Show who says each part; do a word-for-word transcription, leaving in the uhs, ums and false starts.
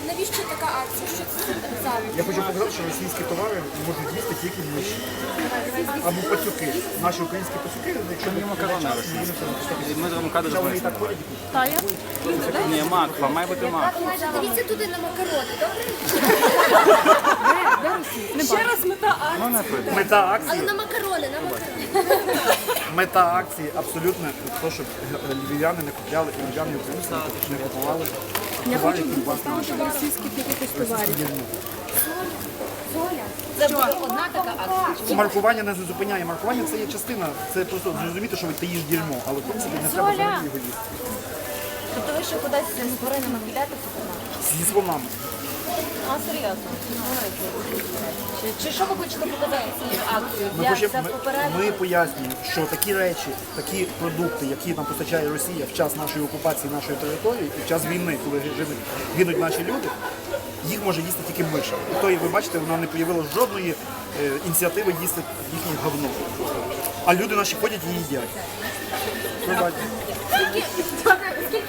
Speaker 1: навіщо така акція? Що це за
Speaker 2: Я хочу показати, що російські товари можуть їсти тільки миші. Або пацюки. Наші українські пацюки, якщо ми
Speaker 3: макарони
Speaker 2: час, ми будемо це
Speaker 3: Ми зробимо кадр
Speaker 2: Хоча вони і
Speaker 3: з
Speaker 2: так ходять.
Speaker 4: Тая?
Speaker 3: Ні, макфа, має бути макфа.
Speaker 1: Дивіться туди на макарони, добре?
Speaker 4: Ще раз мета акції.
Speaker 2: Мета
Speaker 1: Але
Speaker 2: акції,
Speaker 1: на макарони, на макарони.
Speaker 2: мета акції абсолютно те, щоб львів'яни не купляли, і львів'яни українці не купували.
Speaker 4: Я
Speaker 2: товари,
Speaker 4: хочу
Speaker 2: які у вас
Speaker 4: поставити російських якихось товарів.
Speaker 5: Це буде одна така акція.
Speaker 2: Маркування не зупиняє. Маркування це є частина. Це просто зрозуміти, що ти їш дерьмо, але в принципі не треба взагалі його їсти.
Speaker 5: Тобто ви ще кудись з тваринами підете в супермаркет?
Speaker 2: Зі слонами.
Speaker 5: А, серйозно? Чи, чи що ви хочете показати цією акцією?
Speaker 2: Ми,
Speaker 5: Я
Speaker 2: хочемо-
Speaker 5: це
Speaker 2: ми,
Speaker 5: попередньо.
Speaker 2: ми пояснюємо, що такі речі, такі продукти, які нам постачає Росія в час нашої окупації нашої території і в час війни, коли гинуть, гинуть наші люди, їх може їсти тільки миша. І то, і ви бачите, вона не появила жодної е, ініціативи їсти їхнє говно. А люди наші ходять і їдять. Ви бачите.